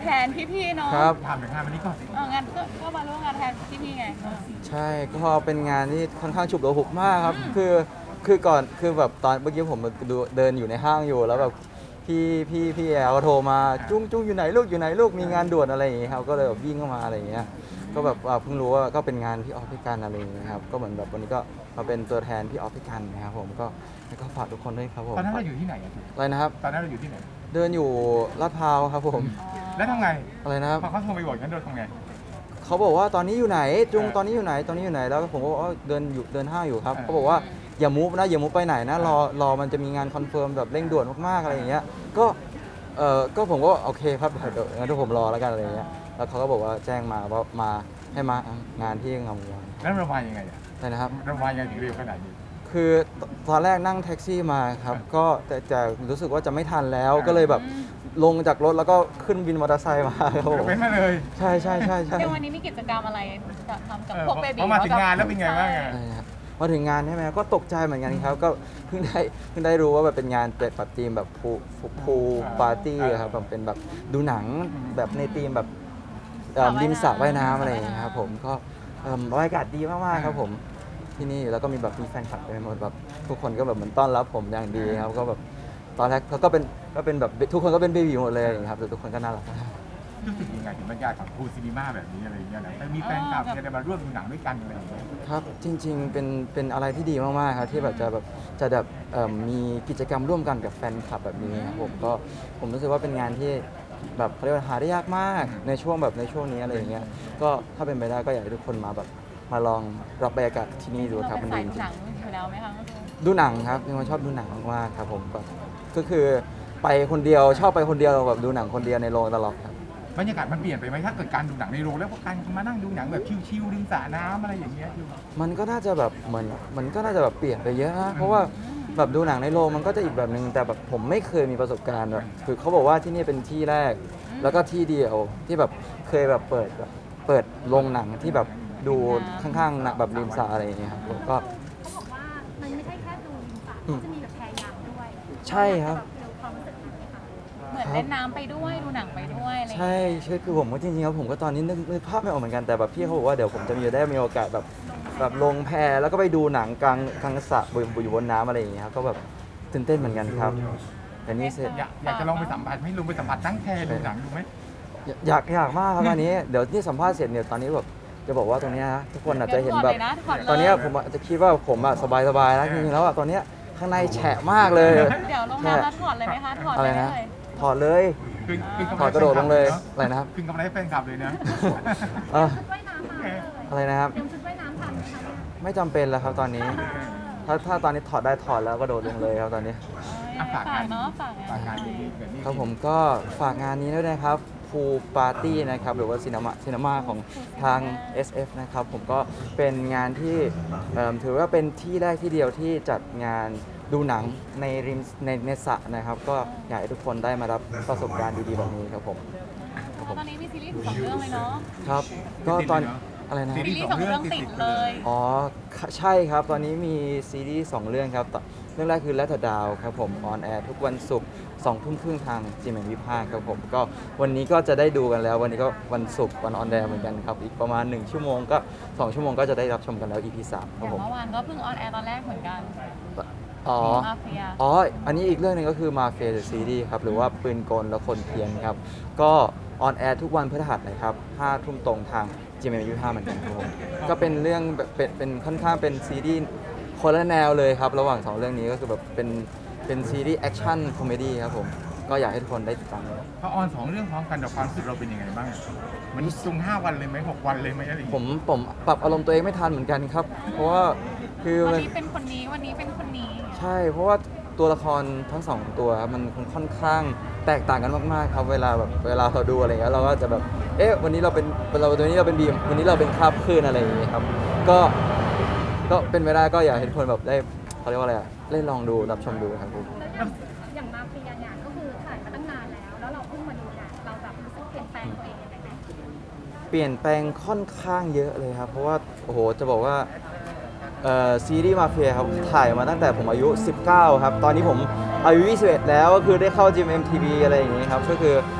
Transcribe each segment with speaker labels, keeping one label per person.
Speaker 1: แทนพี่ๆเนาะ
Speaker 2: ครับ
Speaker 3: ถามถึงงานวันนี้ก่อน
Speaker 1: งานก็มาร่วมงานแทนพี่ๆไง
Speaker 2: ใช่ก็เป็นงานที่ค่อนข้างฉุกละหุกมากครับคือก่อนคือแบบตอนเมื่อกี้ผมเดินอยู่ในห้างอยู่แล้วแบบพี่แอลก็โทรมาจุ้งอยู่ไหนลูกอยู่ไหนลูกมีงานด่วนอะไรอย่างเงี้ยครับก็เลยแบบวิ่งเข้ามาอะไรอย่างเงี้ยก็แบบเพิ่งรู้ว่าก็เป็นงานพี่ออฟพี่กันอะไรอย่างเงี้ยครับก็เหมือนแบบวันนี้ก็มาเป็นตัวแทนพี่ออฟพี่กันนะครับผมก็แล้วก็ฝากทุกคนด้วยครับผม
Speaker 3: ตอนนั้นเราอยู่ที่ไหนอะ
Speaker 2: อะไรนะครับ
Speaker 3: ตอนนั้นเราอยู่ที่ไหน
Speaker 2: เดินอยู่ลาดพร้าวครับผม
Speaker 3: แล้วทำไง
Speaker 2: อะไรนะครับ
Speaker 3: พอเขาโทรไปบอกงั้นเราทำไง
Speaker 2: เขาบอกว่าตอนนี้อยู่ไหนจุงตอนนี้อยู่ไหนตอนนี้อยู่ไหนแล้วผมก็บอกว่าเดินห้างอยู่ครับเขาบอกว่าอย่ามูฟนะอย่ามูฟไปไหนนะรอมันจะมีงานคอนเฟิร์มแบบเร่งด่วนมากๆอะไรอย่างเงี้ยก็ผมก็โอเคครับเดี๋ยวงั้นทุกผมรอแล้วกันอะไรอย่างเงี้ยแล้วเขาก็บอกว่าแจ้งมาว่ามาให้มางานที่งามวงวาน
Speaker 3: แล้วเรามายังไงอะ
Speaker 2: ใช่นะครับ
Speaker 3: เรามายังไงถึงเร็วขนาดนี้
Speaker 2: คือตอนแรกนั่งแท็กซี่มาครับก็แต่รู้สึกว่าจะไม่ทันแล้วก็เลยแบบลงจากรถแล้วก็ขึ้นวินมอเตอร์ไซค์มาครับผม
Speaker 3: เป็นมาเลย
Speaker 2: ใช่
Speaker 1: ในวันนี้มีกิจกรรมอะไรจะทำกับพวกเบบี
Speaker 3: พอมาถึงงานแล้วเป็นไงบ้างอะ
Speaker 2: ใช่ครับพอถึงงานใช่ไหมก็ตกใจเหมือนกันครับก็เพิ่งได้รู้ว่าแบบเป็นงานแบบธีมแบบพูปาร์ตี้ครับแบบเป็นแบบดูหนังแบบในธีมแบบริมสระว่ายน้ำอะไรอย่างเงี้ยครับผมก็บรรยากาศดีมากๆครับผมที่นี่แล้วก็มีแบบมีแฟนคลับเต็มไปหมดแบบทุกคนก็แบบเหมือนต้อนรับผมอย่างดีครับก็แบบตอนแรกเขาก็เป็นแบบทุกคนก็เป็นเบบีหมดเลยครับแต่ทุกคนก็น่ารัก
Speaker 3: รู้สึกยังไงถึงบรรยากาศของพูลซีนีมาแบบนี้อะไรอย่างเงี้ยนะแต่มีแฟนคลับเนี่ยมาร่วมดูหนังด้วยกันอะไรอย่างเงี้ย
Speaker 2: ครับจริงๆเป็นอะไรที่ดีมากๆครับที่แบบจะแบบมีกิจกรรมร่วมกันกับแฟนคลับแบบนี้ครับผมรู้สึกว่าเป็นงานที่แบบเขาเรียกว่าหาได้ยากมากในช่วงนี้อะไรอย่างเงี้ยก็ถ้าเป็นไปได้ก็อยากให้ทุกคนมาแบบมาลองรับบรรยากาศที่นี่ดูครับ
Speaker 1: เป็
Speaker 2: มัน
Speaker 1: น
Speaker 2: ดี
Speaker 1: สาย
Speaker 2: จริ
Speaker 1: หนั
Speaker 2: ง
Speaker 1: งอยู่แล้วไหมคะ
Speaker 2: ๆดูหนังครับเป็นคนชอบดูหนังมากๆครับผมก็คือไปคนเดียวชอบไปคนเดียวแบบดูหนังคนเดียวในโรงตลอดครับ
Speaker 3: บรรยากาศมันเปลี่ยนไปไหมถ้าเกิดการดูหนังในโรงแล้วก็การมานั่งดูหนังแบบชิลๆริมสระน้ำอะไรอย่างเงี้ยอยู่
Speaker 2: มันก็น่าจะแบบเหมือนมันก็น่าจะแบบเปลี่ยนไปเยอะนะเพราะว่าแบบดูหนังในโรงมันก็จะอีกแบบนึงแต่แบบผมไม่เคยมีประสบการณ์แบบคือเขาบอกว่าที่นี่เป็นที่แรก แล้วก็ที่เดียวที่แบบเคยแบบเปิดโรงหนังที่แบบดูข้างๆแบบริมสระอะไรอย่างเงี้ยครับผมก็
Speaker 4: เขาบอกว่ามันไม่ใช่แค่ดูริมสระเขาจะมีแบบแพยางด้วย
Speaker 2: ใช่ครับ
Speaker 4: เดี๋ยวความรู้สึกนั้นไหมคะ
Speaker 1: เหมือนเล่นน้ำไปด้วยดูหนังไปด้วยอะไรอย่าง
Speaker 2: ใช่
Speaker 1: เงี้ย
Speaker 2: ใช่คือผมก็จริงๆแล้วผมก็ตอนนี้นึกภาพไม่ออกเหมือนกันแต่แบบพี่เขาบอกว่าเดี๋ยวผมจะมีโอกาสแบบลงแพแล้วก็ไปดูหนังกลางสระอยู่บนน้ำอะไรอย่างเงี้ยครับก็แบบตื่นเต้นเหมือนกันครับแต่นี่เสร็จ
Speaker 3: อยากจะลองไปสัมผัสให้ลุงไปสัมผัสตั้งแพดูหนังดูไหม
Speaker 2: อยากมากครับอันนี้เดี๋ยวนี่สัมภาษณ์เสร็จเนี่ยตอนนี้แบบจะบอกว่าตรงเนี้ยนะทุกคนอาจจะเห็นแบบ
Speaker 1: ถอดเลยนะถอดเลย
Speaker 2: ตอนเนี้ยผมอาจจะคิดว่าผมอะสบายแล้วจริงๆแล้วอะตอนเนี้ยข้างในแฉะมากเลย
Speaker 1: เดี๋ยวลงน้ำแล้วถอดเลยไหมคะถอด
Speaker 2: อะไร
Speaker 1: เลยได้
Speaker 2: นะ
Speaker 1: เลย
Speaker 2: ถอดเลย
Speaker 3: คืนกำ
Speaker 2: ถอดกระโดดลงเลยอะไรนะครับ
Speaker 3: คืนกำไรให้แฟนคลับเลยนะ
Speaker 2: เอ่อ
Speaker 4: ชุดว่ายน้ำมาเลย
Speaker 2: อะไรนะครับ
Speaker 4: เตรียมชุดว่ายน้ำทันไหมคะ
Speaker 2: ไม่จำเป็นแล้วครับตอนนี้ ถ้าตอนนี้ถอดได้ถอดแล้วก็โดดลงเลยครับตอนนี้
Speaker 3: ฝากงาน
Speaker 1: เนาะฝาก
Speaker 3: ฝากงาง
Speaker 1: าน น
Speaker 3: ดีๆแบบนี้
Speaker 2: ครับผมก็ฝากงานนี้ด้วยนะครับพูปาร์ตี้นะครับหรือว่าซีนีมาของทาง SF นะครับผมก็เป็นงานที่ถือว่าเป็นที่แรกที่เดียวที่จัดงานดูหนังในริมในสระนะครับ ก็อยากให้ทุกคนได้มารับประสบการณ์ดีๆแบบนี้ครับผมครับผม
Speaker 1: ตอนนี้มีซีรีส์2 เรื่องเลยเนาะ
Speaker 2: ครับก็ตอนอะไรนะ
Speaker 1: ซีรีส์2 เรื่องติดเลย
Speaker 2: อ๋อใช่ครับ ตอนนี้มีซีรีส์2เรื่องครับเรื่องแรกคือ Let Her Down ครับผมออนแอร์ทุกวันศุกร์2 ทุ่มครึ่งทาง GMM25 ครับผมก็วันนี้ก็จะได้ดูกันแล้ว วันนี้ก็วันศุกร์วันออนแอร์เหมือนกันครับ อีกประมาณ1ชั่วโมงก็2ชั่วโมงก็จะได้รับชมกันแล้ว EP 3ค
Speaker 1: อ
Speaker 2: รับ
Speaker 1: ย่าง
Speaker 2: ผม
Speaker 1: เมื่อวานก็เพิ่งออนแอร์ตอนแรกเหมือนกัน
Speaker 2: อ๋อ
Speaker 1: มาเฟีย
Speaker 2: อ๋อ อันนี้อีกเรื่องหนึงก็คือมาเฟียซีรีส์ครับ หรือว่าปืนกลและคนเพี้ยนครับ ก็ออนแอร์ทุกวันพฤหัสนะครับ5 ทุ่มตรงทาง GMM25 เหมือนกันครับผมก็เป็นเรื่องแบบเป็นค่อนข้างเป็นซีรีส์คนละแนวเลยครับ ระหว่าง 2 เรื่องนี้ก็คือแบบเป็นซีรีส์แอคชั่นคอมเมดี้ครับผม ก็อยากให้ทุกคนได้ติดตาม
Speaker 3: พอออน2เรื่องพร้อมกันแต่ความรู้สึกเราเป็นยังไงบ้างอะมันจุง5 วันเลยไหม6 วันเลยไหมอะไรอย่าง
Speaker 2: ผ
Speaker 3: เงี้ย
Speaker 2: มปรับอารมณ์ตัวเองไม่ทันเหมือนกันครับ เพราะว่าคือ
Speaker 1: วัน
Speaker 2: มัน
Speaker 1: นี้เป็นคนนี้วันนี้เป็นคนนี้
Speaker 2: ใช่ เพราะว่าตัวละครทั้ง 2 ตัวครับมันค่อนข้างแตกต่างกันมากๆครับเวลาเราดูอะไรเงี้ยเราก็จะแบบเอ๊ะวันนี้เราเป็นวันนี้เราเป็นบีมวันนี้เราเป็นคราบคลื่นอะไรอย่างเงี้ยครับก็เป็นไปได้ก็อยากให้ทุกคนแบบได้เขาเรียกว่าอะไรอะได้ลองดูรับชมดูครับผม
Speaker 4: แล้วอย่างมาเฟียเนี่ยก็คือถ่ายมาตั้งนานแล้ว แล้วเราเพิ่งมาดูเนี่ยเราแบบรู้สึกเปลี่ยนแปลงตัวเองยังไงไหม
Speaker 2: เปลี่ยนแปลงค่อนข้างเยอะเลยครับเพราะว่าโอ้โหจะบอกว่าซีรีส์มาเฟียครับถ่ายมาตั้งแต่ผมอายุ 19 ครับ ตอนนี้ผมอายุ 21 แล้วก็คือได้เข้า GMMTV อะไรอย่างงี้ครับก็คือ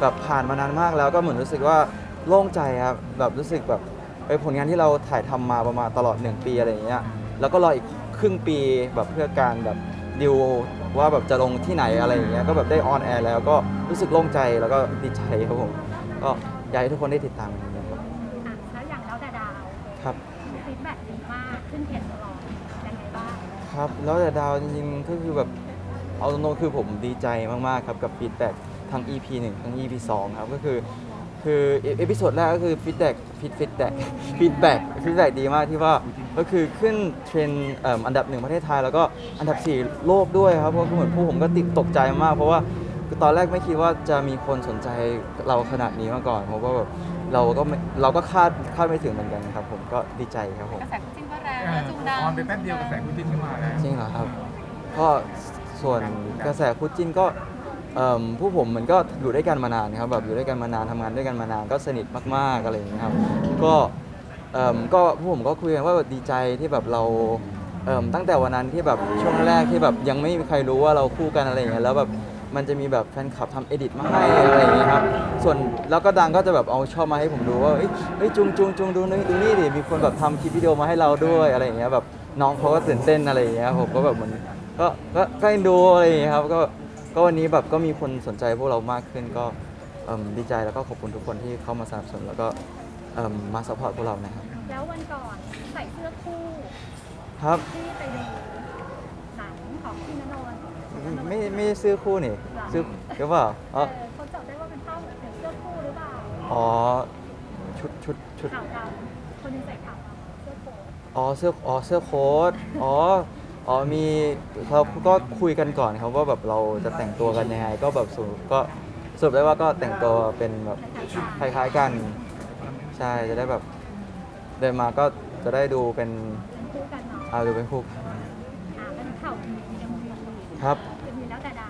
Speaker 2: แบบผ่านมานานมากแล้วก็เหมือนรู้สึกว่าโล่งใจครับแบบรู้สึกแบบผลงานที่เราถ่ายทำมาประมาณตลอด1 ปีอะไรอย่างเงี้ยแล้วก็รออีกครึ่งปีแบบเพื่อการแบบดิวว่าแบบจะลงที่ไหนอะไรอย่างเงี้ยก็แบบได้ออนแอร์แล้วก็รู้สึกโล่งใจแล้วก็ดีใจครับผมก็อยากให้ทุกคนได้ติดตามกันนะครับ
Speaker 4: แล้วอย่างเราแต่ดาว
Speaker 2: ครับ
Speaker 4: ฟีดแบ็กดีมากขึ้นเทรนด์ตลอดยังไงบ้าง
Speaker 2: ครับแล้วแต่ดาวจริงๆก็คือแบบเอาตรงๆคือผมดีใจมากๆครับกับฟีดแบ็กทั้ง EP 1 ทั้ง EP 2 ครับก็คือเอพิโซดแรกก็คือฟีดแบ็กดีมากที่ว่าก็คือขึ้นเทรนด์อันดับ 1 ประเทศไทยแล้วก็อันดับ 4 โลกด้วยครับเพราะเหมือนผู้ผมก็ตกใจมากเพราะว่าคือตอนแรกไม่คิดว่าจะมีคนสนใจเราขนาดนี้มาก่อนเพราะว่าแบบเราก็คาดไม่ถึงเหมือนกันครับผมก็ดีใจครับผม
Speaker 1: กระแสคู่จิ้นก็แรงแล้วจุงดัง
Speaker 3: ออนไปแป๊บเดียวกระแสคู่จิ้นขึ้นมาแล้ว
Speaker 2: จริงเหรอครับก็ส่วนกระแสคู่จิ้นก็ผู้ผมมันก็อยู่ด้วยกันมานานครับแบบอยู่ด้วยกันมานานทำงานด้วยกันมานานก็สนิทมากๆอะไรอย่างเงี้ยครับก็ผู้ผมก็คุยกันว่าแบบดีใจที่แบบเราตั้งแต่วันนั้นที่แบบช่วงแรกที่แบบยังไม่มีใครรู้ว่าเราคู่กันอะไรอย่างเงี้ยแล้วแบบมันจะมีแบบแฟนคลับทำเอดิตมาให้อะไรอย่างเงี้ยครับส่วนแล้วก็ดังก็จะแบบเอาชอบมาให้ผมดูว่าเฮ้ยจุงดูนี่ดิมีคนแบบทำคลิปวิดีโอมาให้เราด้วยอะไรอย่างเงี้ยแบบน้องเขาก็ตื่นเต้นอะไรอย่างเงี้ยผมก็แบบเหมือนก็เอ็นดูอะไรอย่างเงี้ยครับก็วันนี้แบบก็มีคนสนใจพวกเรามากขึ้นก็ดีใจแล้วก็ขอบคุณทุกคนที่เข้ามาสนับสนุนแล้วก็มาซัพพอร์ตพวกเรานะครับ
Speaker 4: แล้ววันก่อนใส่เสื้อคู่
Speaker 2: ครับ
Speaker 4: ที่ไปดูหนังของพี่ณนนท์
Speaker 2: ไม่ได้ซื้อคู่นี่ซื้อหรือเปล่าอ๋อ
Speaker 4: เขาจับได้ว่าเป็นภาพแบบเสื้อคู่หรือเปล่า
Speaker 2: อ๋อชุด
Speaker 4: ขาวดำคนหนึงใส่ขาวดำเสื้อโค้ท
Speaker 2: เสื้อโค้ทมีเราก็คุยกันก่อนครับว่าแบบเราจะแต่งตัวกันยังไงก็แบบสรุปได้ว่าก็แต่งตัวเป็นแบบคล้ายๆกันใช่จะได้แบบเดินมาก็จะได้ดูเป็น
Speaker 4: เป็นคู่กันเนาะ
Speaker 2: ดูเป็นคู่กัน
Speaker 4: เป็นข่าวมีเอ็มวี
Speaker 2: ครับ
Speaker 4: เอ็มวีแล้วแต่ดาว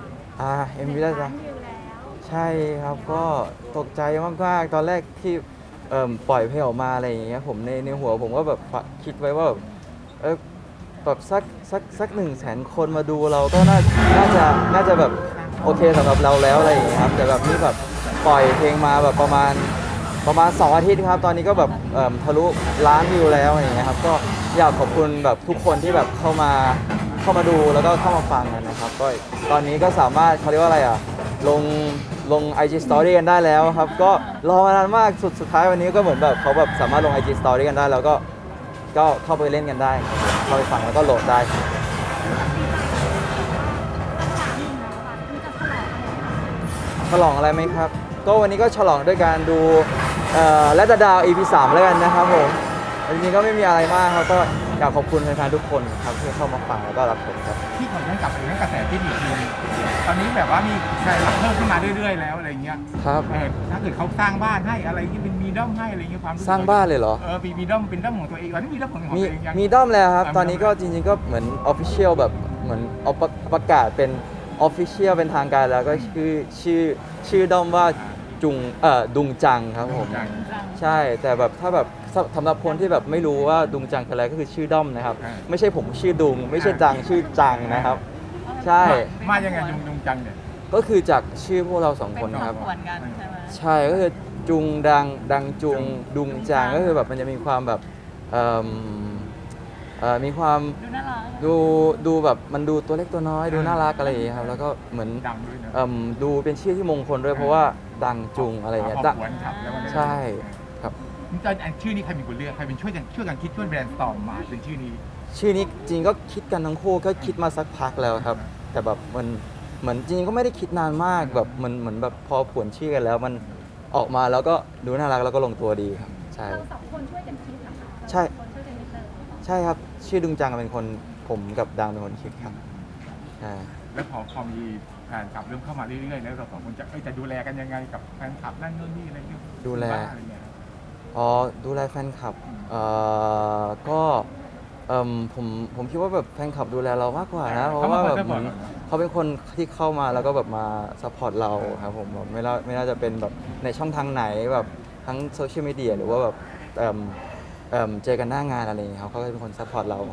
Speaker 2: เอ็มวีได้จ้ะ
Speaker 4: 1,000,000 วิวแล้ว
Speaker 2: ใช่ครับก็ตกใจมากๆตอนแรกที่ปล่อยเพลงออกมาอะไรอย่างเงี้ยผมในหัวผมก็แบบคิดไว้ว่าแบบแบบสัก100,000 คนมาดูเราก็น่าจะแบบโอเคสำหรับเราแล้วอะไรอย่างเงี้ยครับแต่แบบนี่แบบปล่อยเพลงมาแบบประมาณ2 อาทิตย์ครับตอนนี้ก็แบบทะลุล้านวิวแล้วอะไรอย่างเงี้ยครับก็อยากขอบคุณแบบทุกคนที่แบบเข้ามาดูแล้วก็เข้ามาฟังกันนะครับก็ตอนนี้ก็สามารถเขาเรียกว่าอะไรอ่ะลง IG Story กันได้แล้วครับก็รอมานานมากสุดท้ายวันนี้ก็เหมือนแบบเขาแบบสามารถลง IG Story กันได้แล้วก็เข้าไปเล่นกันได้เข้าไปฟังแล้วก็โหลดได้ ฉลองอะไรไหมครับ ก็วันนี้ก็ฉลองด้วยการดูและดาว EP 3แล้วกันนะครับผมจริงๆก็ไม่มีอะไรมากครับก็อยากขอบคุณแฟนๆทุกคนครับที่เข้ามาฟังแล้วก็รับชมครับ
Speaker 3: ที่ขอย้อนกลับไปเรื่องกระแสที่อีกทีนึงตอนนี้แบบว่ามีแฟนคลับเพิ่มขึ้นมาเรื่อยๆแล้วอะไรเงี้ย
Speaker 2: ครับ
Speaker 3: ถ้าเกิดเขาสร้างบ้านให้อะไรที่เป็นมีด้อมให้อะไรเงี้ยความ
Speaker 2: สร้างบ้านเลยเหรอ
Speaker 3: มีด้อมเป็นด้อมของตัวเองตอนนี้มีด้อมของตัว
Speaker 2: มี
Speaker 3: เองยัง
Speaker 2: มีด้อมแล้วครับ ตอนนี้ก็จริงๆก็เหมือน Official แบบเหมือนเอาประกาศเป็น Official เป็นทางการแล้วก็ชื่อด้อมว่าดุงจังครับผม ใช่แต่แบบถ้าแบบสำหรับคนที่แบบไม่รู้ว่าดุงจังคืออะไรก็คือชื่อด้อมนะครับ ไม่ใช่ผมชื่อดุง ไม่ใช่จังชื่อจังนะครับ ใช่
Speaker 3: มายังไงยุงจังเนี่ย
Speaker 2: ก็คือจากชื่อพวกเราสอง
Speaker 1: เป็
Speaker 2: คน
Speaker 1: น
Speaker 2: ครับ
Speaker 1: ขวนกันใช่ไหม
Speaker 2: ใช่ก็คือจุงดังจุงดุงจางก็คือแบบมันจะมีความแบบมีความ
Speaker 1: ดูน่ารัก
Speaker 2: ดูแบบมันดูตัวเล็กตัวน้อยดูน่ารักอะไรอย่างเงี้ยครับแล้วก็เหมือน
Speaker 3: ดังด้วยนะ
Speaker 2: ดูเป็นชื่อที่มงคลด้วยเพราะว่าดังจุงอะไรอย่างเงี้ย
Speaker 3: ขอบคุณครับแล้วมัน
Speaker 2: ใช่ครับ
Speaker 3: ตอนชื่อนี้ใครเป็นคนเลือกใครเป็นช่วยกันคิดช่วยแบรนด์สตอร์มมาเป็นชื่อนี้
Speaker 2: ชื่อนี้จริงก็คิดกันทั้งคู่ก็คิดมาสักพักแล้วครับ แต่แบบมันเหมือนจริงๆก็ไม่ได้คิดนานมากแบบเหมือนแบบพอผวนชื่อกันแล้วมันออกมาแล้วก็ดูน่ารักแล้วก็ลงตัวดีครับใช่
Speaker 4: เราสองคนช่วยกันคิดเหรอคะ
Speaker 2: ใช่
Speaker 4: คนช่วยกันคิดเลย
Speaker 2: ใช่ครับชื่อดุงจังเป็นคนผมกับดังเป็นคนคิดครับใช่
Speaker 3: แล้วพอมีแฟนคลับเริ่มเข้ามาเรื่อยๆแล้วเราสองคนจะดูแลกันยังไงกับแฟนคลับนั่นนู่นนี่อะไรเงี้ย
Speaker 2: ดูแล
Speaker 3: บ้านอะไรเงี้ย
Speaker 2: ดูแลแฟนคลับก็ผมคิดว่าแบบแฟนคลับดูแลเรามากกว่านะเพราะว่าแบบเหมือนเขาเป็นคนที่เข้ามาแล้วก็แบบมาซัพพอร์ตเราครับผมแบบไม่น่าจะเป็นแบบในช่องทางไหนแบบทั้งโซเชียลมีเดียหรือว่าแบบเจอกันหน้างานอะไรอย่างเงี้ยเขาก็เป็นคนซัพพอร์ตเราก็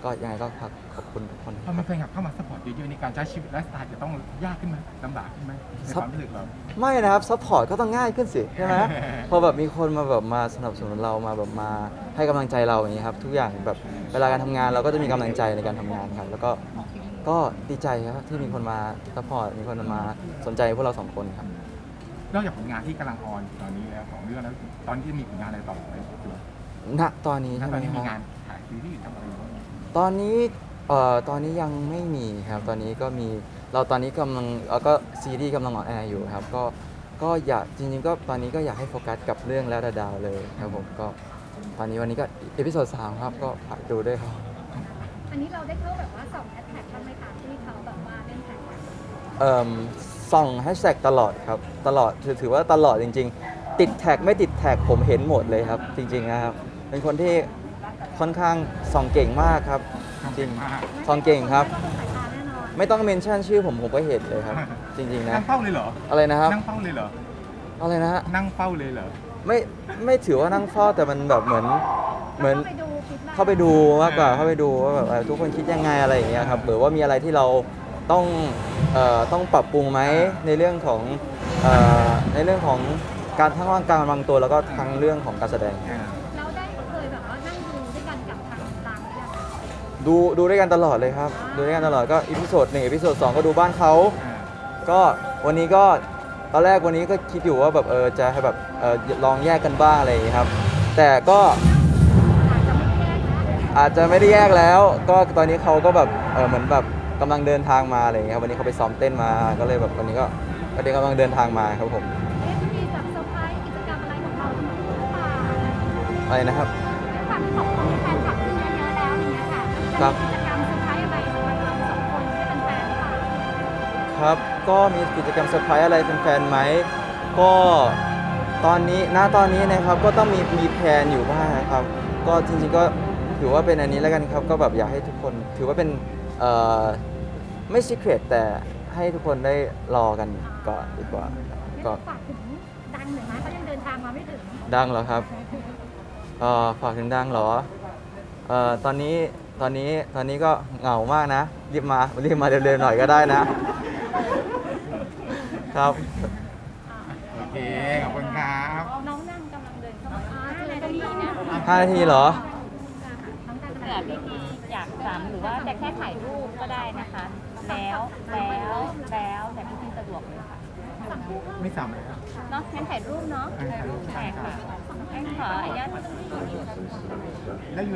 Speaker 2: ก็ยังไงก็ขอบคุณทุกคน
Speaker 3: พอมีแฟนคลับเข้ามาซัพพอร์ตเยอะๆในการใช้ชีวิตไลฟ์สไตล์จะต้องยากขึ้นไหมลำบากขึ้นไหมในความรู้สึกเรา
Speaker 2: ไม่นะครับซัพพอร์ตก็ต้องง่ายขึ้นสิใช่ไหม พอแบบมีคนมาแบบมาสนับสนุนเรามาแบบมาให้กำลังใจเราอย่างนี้ครับทุกอย่างแบบเวลาการทำงานเราก็จะมีกำลังใจในการทำงานครับแล้วก็ดีใจครับที่มีคนมาซัพพอร์ตมีคนมาสนใจพวกเราสองคนครับ
Speaker 3: นอกจากผลงานที่กำลังออนอยู่ตอนนี้แล้วของเรื่องแล้วตอนนี้มีผลงานอะไรต่อไหมตัว
Speaker 2: ณตอนนี้
Speaker 3: ณ
Speaker 2: ใช่ไห
Speaker 3: ต
Speaker 2: ม
Speaker 3: อนนี้
Speaker 2: ค
Speaker 3: มี
Speaker 2: รับ
Speaker 3: งานถ่ายซีรีส์ทำอะไรอยู่บ้าง
Speaker 2: ตอนนี้ตอนนี้ยังไม่มีครับตอนนี้ก็มีเราตอนนี้กำลังก็ซีรีส์กำลังออนแอร์อยู่ครับก็อยากจริงๆก็ตอนนี้ก็อยากให้โฟกัสกับเรื่องแล้วดาวๆเลยครับผมก็ตอนนี้วันนี้ก็เอพิโซด3ครับก็ฝากดูด้วยครับ
Speaker 4: อันนี้เราได้เข้าแบบว่าส่องแฮชแท็กบ้างไหมคะที่เขาแบบว่าเล่นแท็กกัน
Speaker 2: ส่องแฮชแท็กตลอดครับตลอดถือว่าตลอดจริงๆ ติดแท็กไม่ติดแท็กผมเห็นหมดเลยครับ จริงๆนะครับเป็นคนที่ค่อนข้างส่องเก่งมากครับจริงส่องเก่งครับ
Speaker 4: ไม่ต้องสายตาแน่นอน
Speaker 2: ไม่ต้องเมนชั่นชื่อผมก็เห็นเลยครับ จริงๆนะ
Speaker 3: นั่งเฝ้าเลยเหรอ
Speaker 2: อะไรนะครับ
Speaker 3: นั่งเฝ้าเลยเหรอ
Speaker 2: อะไรนะฮะ
Speaker 3: นั่งเฝ้าเลยเหรอ
Speaker 2: ไม่ถือว่านั่งเฝ้าแต่มันแบบเหมือน
Speaker 4: ไปดูคลิป
Speaker 2: เข้าไปดูมากกว่าเข้าไปดูว่าแบบทุกคนคิดยังไงอะไรอย่างเงี้ยครับหรือว่ามีอะไรที่เราต้องปรับปรุงไหมในเรื่องของการทั้งร่างกายบางตัวแล้วก็ทั้งเรื่องของการแสดง
Speaker 4: เราได้เคยแบบว่านั่งดูด้วยกันกับทางต่างเนี่ยค่ะ
Speaker 2: ดูด้วยกันตลอดเลยครับดูด้วยกันตลอดก็อีพิโซด1อีพิโซด2ก็ดูบ้านเขาก็วันนี้ก็ตอนแรกวันนี้ก็คิดอยู่ว่าแบบจะให้แบบลองแยกกันบ้างอะไรอย่างเงี้ยครับแต่ก็
Speaker 4: อาจจะไม่แยกนะ
Speaker 2: อาจจะไม่ได้แยกแล้ว ก็ตอนนี้เขาก็แบบเหมือนแบบกำลังเดินทางมาอะไรอย่างเงี้ยครับวันนี้เขาไปซ้อมเต้นมาก็เลยแบบวันนี้ก็เดี๋ยวกำลังเดินทางมาครับผม
Speaker 4: จะมีแบบเซอร์ไพรส์กิจกรรมอะไรของเราหรือเปล่า
Speaker 2: อะไรนะครับ
Speaker 4: ความขอบคุณแฟนคลับขึ้นเยอะๆแล้วอย่างเงี้ยค่ะ
Speaker 2: ครับ
Speaker 4: กิจกรรมเซอร์ไพรส์อะไรสำหรับเราสองคนที่เป็นแฟนหรือเปล่า
Speaker 2: ครับก็มีกิจกรรมเซอร์ไพรส์อะไรแฟนๆไหมก็ตอนนี้นะครับก็ต้องมีแพลนอยู่บ้างนะครับก็จริงๆก็ถือว่าเป็นอันนี้แล้วกันครับก็แบบอยากให้ทุกคนถือว่าเป็นไม่ซีเครตแต่ให้ทุกคนได้รอกันก่อนดีกว่าครับ
Speaker 4: ไม่
Speaker 2: ก็
Speaker 4: ต้องฝากถึงดังหน่อยนะเขายังเดินทางมาไม่ถึง
Speaker 2: ดังเหรอครับฝากถึงดังเหรอตอนนี้ก็เหงามากนะรีบมาเร็วๆหน่อยก็ได้นะครับ
Speaker 3: โอเค ขอบคุณครับ
Speaker 4: น้องนั่งกำลังเดินเข้ามาเจอตรงนี้นะ
Speaker 2: 5 นาทีเหรอ
Speaker 4: น้องนั่งกำ
Speaker 1: เผื่
Speaker 4: ลั
Speaker 1: อง พี่ๆอยากถามหรือว่าจะแค่ถ่ายรูปก็ได้นะคะ แล้วแต่พี่ๆสะดวกเลยค่ะ
Speaker 3: ไม่ซ้ำเลยครับ
Speaker 1: เนาะงั้นถ่ายรูปเนาะ
Speaker 3: ถ่ายรูป
Speaker 1: ใช่ค่ะงั้นขออนุญาต
Speaker 3: แล้วอยู่